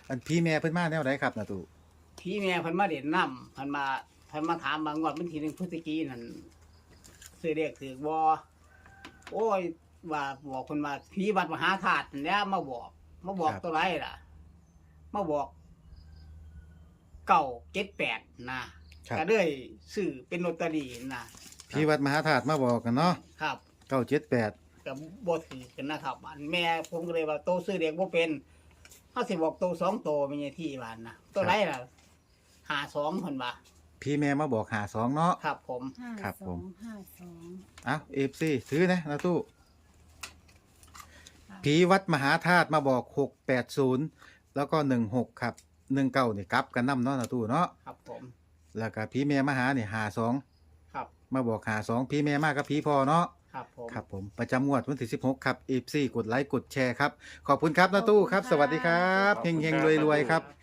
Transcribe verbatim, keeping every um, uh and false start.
อันพี่แม่เพิ่นมาแนวใดครับนาตู้พี่แม่เพิ่นมาเด่นน้ำเพิ่นมาเพิ่นมาถามบางงวดวันที่หนึ่งพฤศจิกายนนั่นซื้อเด็กถือบ่โอ้ยว่าบอกเพิ่นว่าผีวัดมหาธาตุนั่นแหล้วมาบอกมาบอกตัวไรล่ะมาบอกเก้าเจ็ดแปดนะครับ ก็เลยซื้อเป็นลอตเตอรี่นะพี่วัดมหาธาตุมาบอกกันเนาะครับเก้าเจ็ดแปดกับบ่ถือกันนะครับอันแม่ผมก็เลยว่าโตซื้อเด็กบ่เป็นเฮาสิบอกโตสองโตเป็นไงที่บ้านนะตัวไรล่ะห้าสองเพิ่นว่าพี่แม่มาบอกหาสองเนาะครับผมห้าครับสผอมงห้าสองเอ้าเอฟซีถือนะนาตู้ผีวัดมหาธาตุมาบอกหกแปดศูนย์แล้วก็หนึ่งหกครับหนึ่งเก้านี่กลับกันนำเนาะนาตู้เนาะครับผมแล้วก็พี่แม่มาหาเนี่ยหาสองครับมาบอกหาสองพี่แม่มากับพี่พ่อเนาะครับผมครับผมประจำงวดวันที่สิบหกครับเอฟซีกดไลค์กดแชร์ครับขอบคุณครับนาตู้ครับ สวัสดีครับเฮงเฮงรวยรวยๆครับ